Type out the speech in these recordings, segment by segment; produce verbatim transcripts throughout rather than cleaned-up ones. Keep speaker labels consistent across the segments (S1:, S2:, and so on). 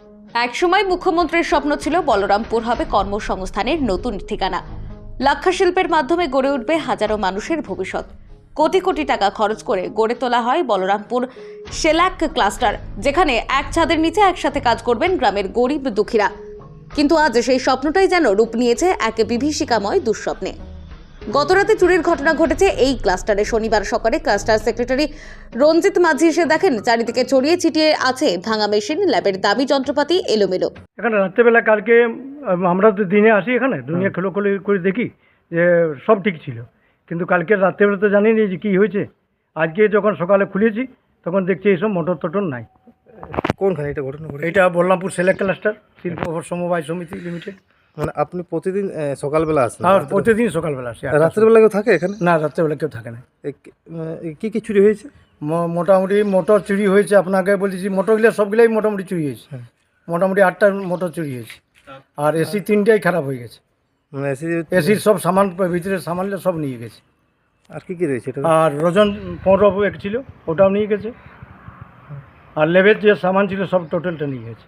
S1: একসময় মুখ্যমন্ত্রীর স্বপ্ন ছিল বলরামপুর হবে কর্মসংস্থানের নতুন ঠিকানা। লাক্ষা শিল্পের মাধ্যমে গড়ে উঠবে হাজারো মানুষের ভবিষ্যৎ। কোটি কোটি টাকা খরচ করে গড়ে তোলা হয় বলরামপুর শেলাক ক্লাস্টার, যেখানে এক ছাদের নিচে একসাথে কাজ করবেন গ্রামের গরিব দুঃখীরা। কিন্তু আজ সেই স্বপ্নটাই যেন রূপ নিয়েছে এক বিভীষিকাময় দুঃস্বপ্নে। গতরাতে চুরির ঘটনা ঘটেছে এই ক্লাস্টারে। শনিবার সকালে ক্লাস্টার সেক্রেটারি রঞ্জিত মাঝি এসে দেখেন চারিদিকে ছড়িয়ে ছিটিয়ে আছে ভাঙা মেশিন, ল্যাবের দামি যন্ত্রপাতি এলোমেলো।
S2: এখানে রাত্রেবেলা কালকে আমরা তো দিনে আসি, এখানে দুনিয়া খেলো খোলো করে দেখি যে সব ঠিক ছিল, কিন্তু কালকে রাত্রেবেলা তো জানি না যে কী হয়েছে। আজকে যখন সকালে খুলেছি তখন দেখছি এইসব মোটর টোটর নাই।
S3: কোনখানে এটা ঘটনা ঘটে?
S2: এটা বলরামপুর সেলেক ক্লাস্টার শিল্প সমবায় সমিতি লিমিটেড।
S3: মানে আপনি প্রতিদিন আহ, সকালবেলা আসেন?
S2: আর প্রতিদিন সকালবেলা আসি।
S3: আর রাত্রেবেলা কেউ থাকে এখানে?
S2: না, রাত্রেবেলা কেউ থাকে না।
S3: এ কি- আহ, কি কি চুরি হয়েছে?
S2: ম- মোটামুটি মোটর চুরি হয়েছে। আপনাকে বলছি মোটরগুলো সবগুলোই মোটামুটি চুরি হয়েছে। মোটামুটি আটটা মোটর চুরি হয়েছে, আর এসি তিনটাই খারাপ হয়ে গেছে।
S3: মানে এসি
S2: এসির সব সামান, ভিতরে সামানগুলো সব নিয়ে গেছে।
S3: আর কি কি রয়েছে এটা?
S2: আর রজন পনেরো এক ছিল, ওটাও নিয়ে গেছে। আর লেবের যে সামান ছিল সব টোটালটা নিয়ে গেছে।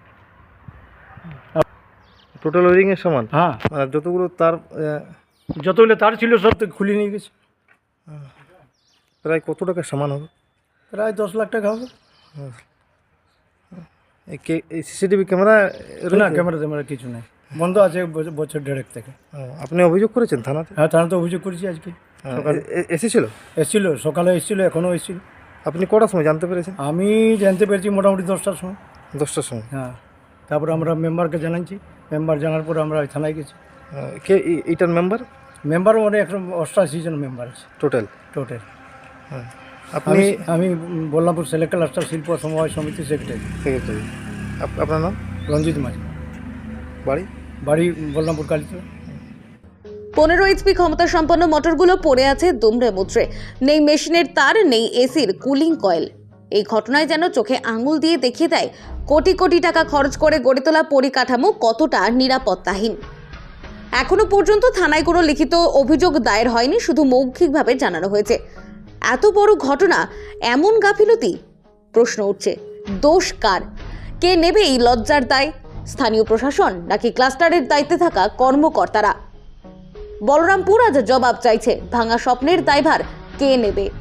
S3: টোটাল ওয়ারিং এর সমান?
S2: হ্যাঁ,
S3: মানে যতগুলো তার আহ,
S2: যতগুলো তার ছিল সব তো খুলে নিয়ে গেছে।
S3: প্রায় কত টাকার সামান হবে?
S2: প্রায় দশ লাখ টাকা হবে।
S3: এই কে- এই সিসিটিভি ক্যামেরা
S2: না, ক্যামেরা ট্যামেরা কিছু নেই, বন্ধ আছে বছর- বছর দেড়েক থেকে।
S3: আপনি অভিযোগ করেছেন থানাতে?
S2: হ্যাঁ, তারা তো অভিযোগ করেছি আজকে সকালে।
S3: এসেছিল?
S2: এসেছিল সকালে, এসেছিল, এখনও এসেছিল।
S3: আপনি কটার সময় জানতে পেরেছেন?
S2: আমি জানতে পেরেছি মোটামুটি দশটার সময়।
S3: দশটার সময়?
S2: হ্যাঁ, তারপরে আমরা মেম্বারকে জানাচ্ছি। মেম্বার জানার পরে আমরা থানায় গেছি।
S3: আহ, কে এই- এইটার মেম্বার?
S2: মেম্বার মানে একশো অষ্টাশি জন মেম্বার আছে
S3: টোটাল?
S2: টোটাল।
S3: হ্যাঁ।
S2: আপনি?
S3: আপনি
S2: আমি বলরামপুর সেলেক ক্লাস্টার শিল্প সমবায় সমিতি সেক্রেটারি।
S3: সেক্রেটারি। আপ- আপনার নাম?
S2: রঞ্জিত মাঝি,
S3: বাড়ি?
S2: বাড়ি বলরামপুর কালীতলা।
S1: পনেরো এইচপি ক্ষমতা সম্পন্ন মোটরগুলো পড়ে আছে দুমড়ে মুচড়ে। নেই মেশিনের তার, নেই এসির কুলিং কয়েল। এই ঘটনায় যেন চোখে আঙুল দিয়ে দেখিয়ে দেয় কোটি কোটি টাকা খরচ করে গড়ে তোলা পরিকাঠামো কতটা নিরাপত্তাহীন। এখনো পর্যন্ত থানায় কোনো লিখিত অভিযোগ দায়ের হয়নি, শুধু মৌখিকভাবে জানানো হয়েছে। এত বড় ঘটনা, এমন গাফিলতি? প্রশ্ন উঠছে, দোষ কার? কে নেবে এই লজ্জার দায়? স্থানীয় প্রশাসন নাকি ক্লাস্টারের দায়িত্বে থাকা কর্মকর্তারা? বলরামপুর আজ জবাব চাইছে। ভাঙা স্বপ্নের দায়ভার কে নেবে?